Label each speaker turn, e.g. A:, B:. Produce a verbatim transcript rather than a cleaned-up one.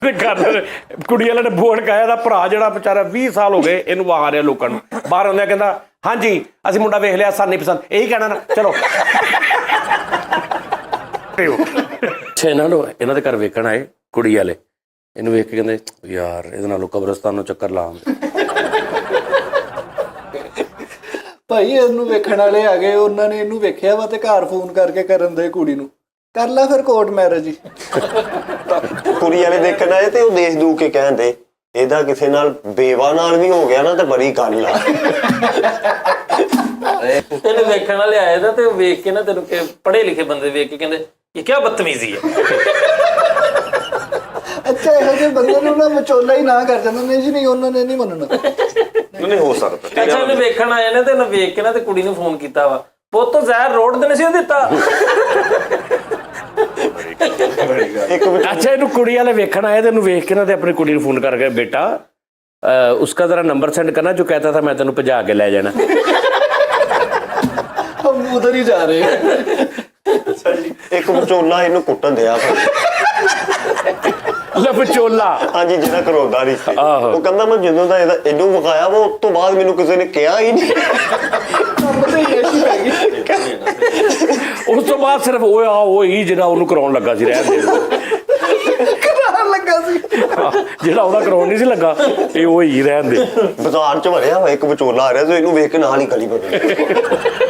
A: घर कुड़ी वाले ने बोर्ड कहा ਇਹਦਾ ਭਰਾ ਜਿਹੜਾ ਵਿਚਾਰਾ ਵੀਹ ਸਾਲ ਹੋ ਗਏ ਇਹਨੂੰ ਆ ਰਿਹਾ ਲੋਕਾਂ ਨੂੰ ਬਾਹਰ ਆਉਂਦਿਆਂ ਕਹਿੰਦਾ ਹਾਂਜੀ ਅਸੀਂ ਮੁੰਡਾ ਵੇਖ ਲਿਆ ਸਾਨੂੰ ਨਹੀਂ ਪਸੰਦ ਇਹੀ ਕਹਿਣਾ ਨਾ ਚਲੋ ਅੱਛਾ ਇਹਨਾਂ ਨੂੰ ਇਹਨਾਂ ਦੇ ਘਰ ਵੇਖਣ ਆਏ ਕੁੜੀ ਵਾਲੇ ਇਹਨੂੰ ਵੇਖ ਕੇ ਕਹਿੰਦੇ ਯਾਰ ਇਹਦੇ ਨਾਲੋਂ ਕਬਰਸਤਾਨ ਨੂੰ ਚੱਕਰ ਲਾ
B: ਭਾਈ ਇਹਨੂੰ ਵੇਖਣ ਵਾਲੇ ਆ ਗਏ ਉਹਨਾਂ ਨੇ ਇਹਨੂੰ ਵੇਖਿਆ ਵਾ ਤੇ ਘਰ ਫੋਨ ਕਰਕੇ ਕਰਨ ਦੇ ਕੁੜੀ ਨੂੰ ਕਰ ਲੈ ਫਿਰ ਕੋਰਟ ਮੈਰਿਜ ਹੀ
C: ਕੁੜੀ ਵਾਲੇ ਦੇਖਣ ਆਏ ਤੇ ਉਹ ਦੇਖ ਦੂ ਕੇ ਕਹਿੰਦੇ ਇਹਦਾ ਕਿਸੇ ਨਾਲ ਬੇਵਾ ਨਾਲ ਵੀ ਹੋ ਗਿਆ ਨਾ ਤੇ ਬੜੀ ਗੱਲ ਆ
D: ਤੈਨੂੰ ਵੇਖਣ ਵਾਲੇ ਆਏ ਦਾ ਤੇ ਵੇਖ ਕੇ ਨਾ ਤੈਨੂੰ ਪੜ੍ਹੇ ਲਿਖੇ ਬੰਦੇ ਵੇਖ ਕੇ ਕਹਿੰਦੇ ਇਹ ਕੀ ਬਦਤਮੀਜ਼ੀ ਹੈ।
B: ਅੱਛਾ ਇਹੋ ਜਿਹੇ ਬੰਦੇ ਨੂੰ ਨਾ ਵਿਚੋਲਾ ਹੀ ਨਾ ਕਰ ਜਾਂਦਾ ਨਹੀਂ ਜੀ ਨਹੀਂ ਉਹਨਾਂ ਨੇ ਨਹੀਂ ਮੰਨਣਾ
C: ਨਹੀਂ ਹੋ ਸਕਦਾ।
D: ਅੱਛਾ ਉਹਨੇ ਵੇਖਣ ਆਏ ਨੇ ਤੇ ਉਹਨੇ ਵੇਖ ਕੇ ਨਾ ਤੇ ਕੁੜੀ ਨੂੰ ਫੋਨ ਕੀਤਾ ਵਾ ਪੁੱਤ ਜ਼ਹਿਰ ਰੋਡ ਤੇ ਨਹੀਂ ਦਿੱਤਾ।
A: अच्छा इनू कुड़ी वाले वेखन आए तेन वेख के ना ते अपनी कुड़ी फोन करके बेटा उसका जरा नंबर सेंड करना जो कहता था मैं तेन भजा के ले जाना
B: हम उधर ही जा रहे हैं।
C: एक विचोला इनू कुटन दिया
A: विचोला
C: ਹਾਂਜੀ ਜਿਹੜਾ ਕਰੋਦਾ ਨਹੀਂ ਸੀ ਉਹ ਕਹਿੰਦਾ ਮੈਂ ਜਦੋਂ ਦਾ ਇਹਦਾ ਇਹਨੂੰ ਵਿਖਾਇਆ ਵਾ ਉਸ ਤੋਂ ਬਾਅਦ ਮੈਨੂੰ ਕਿਸੇ ਨੇ ਕਿਹਾ ਹੀ ਨਹੀਂ
A: ਉਸ ਤੋਂ ਬਾਅਦ ਸਿਰਫ ਉਹ ਆ ਉਹ ਹੀ ਜਿਹੜਾ ਉਹਨੂੰ ਕਰਾਉਣ ਲੱਗਾ ਸੀ ਰਹਿਣ ਦੇ
B: ਕਰਾਉਣ ਲੱਗਾ ਸੀ
A: ਜਿਹੜਾ ਉਹਦਾ ਕਰਾਉਣ ਨਹੀਂ ਸੀ ਲੱਗਾ ਇਹ ਉਹ ਹੀ ਰਹਿਣ ਦੇ
C: ਬਾਜ਼ਾਰ ਚ ਵੜਿਆ ਵਾ ਇੱਕ ਵਿਚੋਲਾ ਆ ਰਿਹਾ ਤੇ ਇਹਨੂੰ ਵੇਖ ਕੇ ਨਾਲ ਹੀ ਗਲੀ ਬਣ ਗਈ